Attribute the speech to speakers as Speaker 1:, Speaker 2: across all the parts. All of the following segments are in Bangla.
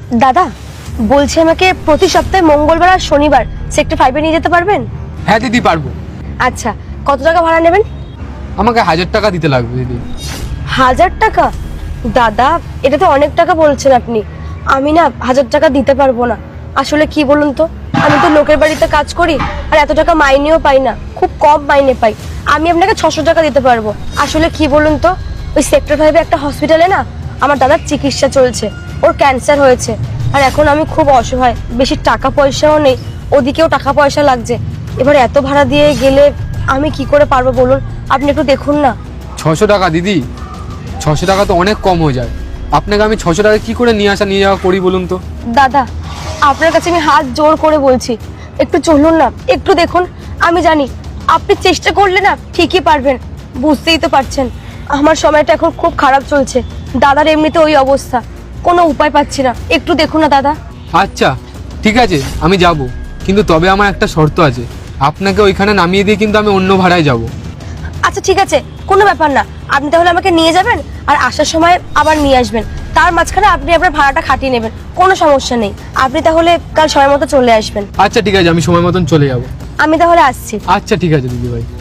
Speaker 1: দাদা বলছি আমাকে প্রতি সপ্তাহে মঙ্গলবার আর শনিবার সেক্টর 5-এ নিয়ে যেতে পারবেন?
Speaker 2: হ্যাঁ দিদি পারবো।
Speaker 1: আচ্ছা, কত টাকা ভাড়া নেবেন?
Speaker 2: আমাকে 1000 টাকা দিতে লাগবে দিদি।
Speaker 1: 1000 টাকা? দাদা এটা তো অনেক টাকা বলছেন আপনি। আমি না 1000 টাকা দিতে পারবো না। আসলে কি বলুন তো, আমি তো লোকের বাড়িতে কাজ করি আর এত টাকা মাইনেও পাই না, খুব কম মাইনে পাই। আমি আপনাকে 600 টাকা দিতে পারবো। আসলে কি বলুন তো, ওই সেক্টর 5-এ একটা হসপিটালে না আমার দাদার চিকিৎসা চলছে, ওর ক্যান্সার হয়েছে। আর এখন আমি খুব অসহায়, বেশি টাকা পয়সাও নেই, ওদিকেও টাকা পয়সা লাগছে। এবার এত ভাড়া দিয়ে গেলে আমি কি করে পারবো বলুন? আপনি একটু দেখুন না।
Speaker 2: 600 টাকা দিদি, 600 টাকা তো অনেক কম হয়ে যায়। আপনাকে আমি 600 টাকা কি করে নিয়ে আসা নিয়ে যাওয়া করি বলুন তো?
Speaker 1: দাদা আপনার কাছে আমি হাত জোর করে বলছি, একটু চলুন না, একটু দেখুন। আমি জানি আপনি চেষ্টা করলে না ঠিকই পারবেন, বুঝতেই তো পারছেন আমার সময়টা এখন খুব খারাপ চলছে। দাদার এমনিতে ওই অবস্থা, কোনো উপায় পাচ্ছি না, একটু দেখুন না দাদা।
Speaker 2: আচ্ছা ঠিক আছে আমি যাব, কিন্তু তবে আমার একটা শর্ত আছে। আপনাকে ওইখানে নামিয়ে দিয়ে কিন্তু আমি অন্য ভাড়ায় যাব।
Speaker 1: আচ্ছা ঠিক আছে, কোনো ব্যাপার না। আপনি তাহলে আমাকে নিয়ে যাবেন আর আসার সময় আবার নিয়ে আসবেন, তার মাঝখানে আপনি আপনার ভাড়াটা খাটিয়ে নেবেন, কোনো সমস্যা নেই। আপনি তাহলে কাল সময় মতো চলে আসবেন।
Speaker 2: আচ্ছা ঠিক আছে, আমি সময় মতন চলে যাব।
Speaker 1: আমি তাহলে আসছি।
Speaker 2: আচ্ছা ঠিক আছে দিদি ভাই।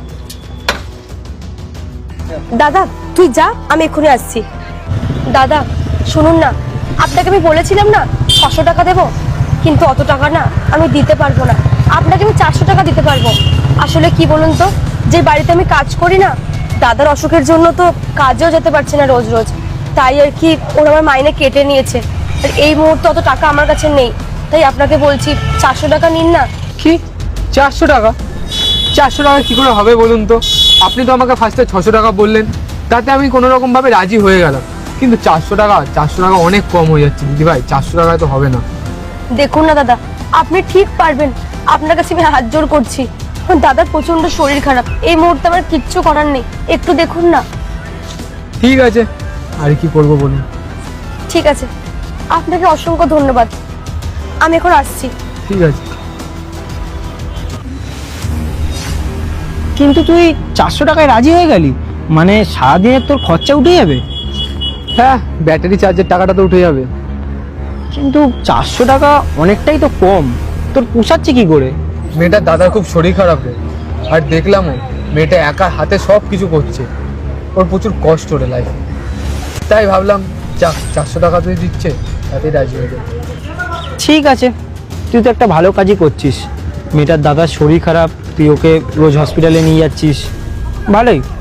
Speaker 1: দাদা তুই যা, আমি এক্ষুনি আসছি। দাদা শুনুন না, আপনাকে আমি বলেছিলাম না 600 টাকা দেবো, কিন্তু অত টাকা না আমি দিতে পারবো না। আপনাকে আমি 400 টাকা দিতে পারবো। আসলে কি বলুন তো, যে বাড়িতে আমি কাজ করি না, দাদার অসুখের জন্য তো কাজেও যেতে পারছে না রোজ রোজ, তাই আর কি ওরা আমার মাইনে কেটে নিয়েছে। আর এই মুহূর্তে অত টাকা আমার কাছে নেই, তাই আপনাকে বলছি 400 টাকা নিন না।
Speaker 2: কি 400 টাকা? 400 টাকা কি করে হবে বলুন তো? আপনি তো আমাকে ফার্স্টে 600 টাকা বললেন, তাতে আমি কোনো রকম ভাবে রাজি হয়ে গেলাম, কিন্তু 400 টাকা অনেক কম হয়ে যাচ্ছে দিদি ভাই। 400 টাকায় তো হবে না।
Speaker 1: দেখুন না দাদা, আপনি ঠিক পারবেন, আপনার কাছে আমি হাত জোর করছি। দাদার প্রচন্ড শরীর খারাপ, এই মুহূর্তে আমার কিচ্ছু করার নেই, একটু দেখুন না।
Speaker 2: ঠিক আছে, আর কি করবো বলুন।
Speaker 1: ঠিক আছে, আপনাকে অসংখ্য ধন্যবাদ, আমি এখন আসছি।
Speaker 2: ঠিক আছে।
Speaker 3: কিন্তু তুই 400 টাকায় রাজি হয়ে গেলি? মানে সারাদিনের তোর খরচা উঠে যাবে।
Speaker 2: হ্যাঁ, ব্যাটারি চার্জের টাকাটা তো উঠে যাবে।
Speaker 3: কিন্তু 400 টাকা অনেকটাই তো কম, তোর পোষাচ্ছে কি করে?
Speaker 2: মেয়েটার দাদার খুব শরীর খারাপ রে, আর দেখলামও মেয়েটা একা হাতে সব কিছু করছে, ওর প্রচুর কষ্ট রে লাইফে। তাই ভাবলাম যাক 400 টাকা তুই দিচ্ছে, তাতেই রাজি হয়ে যাবে।
Speaker 3: ঠিক আছে, তুই তো একটা ভালো কাজই করছিস। মেয়েটার দাদার শরীর খারাপ, তুই ওকে রোজ হসপিটালে নিয়ে যাচ্ছিস, ভালোই।